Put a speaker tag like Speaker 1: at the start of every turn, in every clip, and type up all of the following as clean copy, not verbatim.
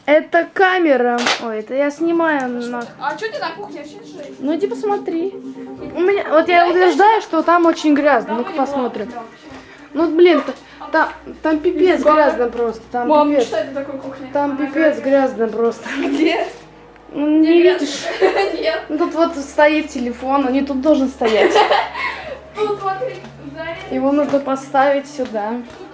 Speaker 1: Это камера. Ой, это я снимаю.
Speaker 2: А что ты на кухне вообще жить?
Speaker 1: Ну иди посмотри. У меня, вот я утверждаю, что там очень грязно. Ну-ка посмотрим. Ну блин, там пипец грязно просто. Там
Speaker 2: Мам,
Speaker 1: пипец.
Speaker 2: что это такое кухня?
Speaker 1: Там пипец грязно просто.
Speaker 2: Где?
Speaker 1: Ну, не видишь?
Speaker 2: Нет.
Speaker 1: Ну, тут вот стоит телефон, он не тут должен стоять.
Speaker 2: Тут смотри,
Speaker 1: Его нужно поставить сюда.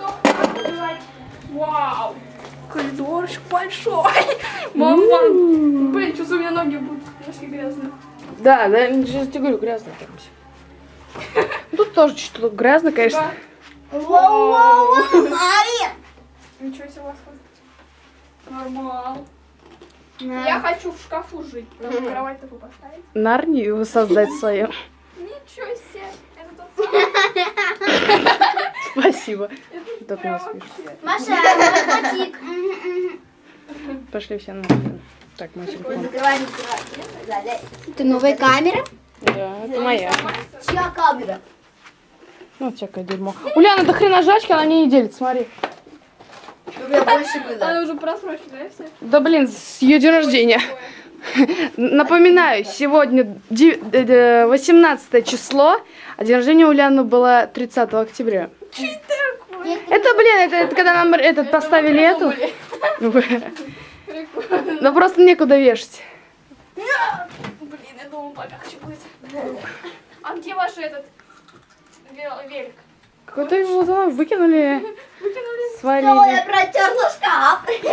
Speaker 2: Вау! Коридор большой. Мама, блин, что у меня ноги будут немножко грязные.
Speaker 1: Да, я тебе говорю, грязно там все. Тут тоже что-то грязно, конечно.
Speaker 2: Вау! Ничего себе у вас тут. Нормал. Я хочу в шкафу жить. Кровать такую поставить.
Speaker 1: Нарнию создать свою.
Speaker 2: Ничего себе. Это тот самый.
Speaker 1: Спасибо.
Speaker 2: Это
Speaker 1: Так
Speaker 2: прям
Speaker 1: у нас смешно.
Speaker 2: вообще.
Speaker 3: Маша, котик.
Speaker 1: Пошли все нахрен. Так, мой телефон.
Speaker 3: Закрывай. Это новая камера?
Speaker 1: Да, это моя.
Speaker 3: Чья камера?
Speaker 1: Ну, всякое дерьмо. Уляна, до хрена жачки, она мне не делит, смотри.
Speaker 3: У меня больше было.
Speaker 2: Она уже просроченная все.
Speaker 1: Да блин, с ее день рождения. Напоминаю, сегодня 18 число, а день рождения у Ляны было 30 октября. Это, блин, это когда нам поставили эту.
Speaker 2: Прикольно.
Speaker 1: Но просто некуда вешать.
Speaker 2: Блин, я думала, помягче будет. А где ваш этот велик?
Speaker 1: Какой-то его выкинули,
Speaker 2: Выкинули?
Speaker 1: свалили.
Speaker 3: Я протерла шкаф.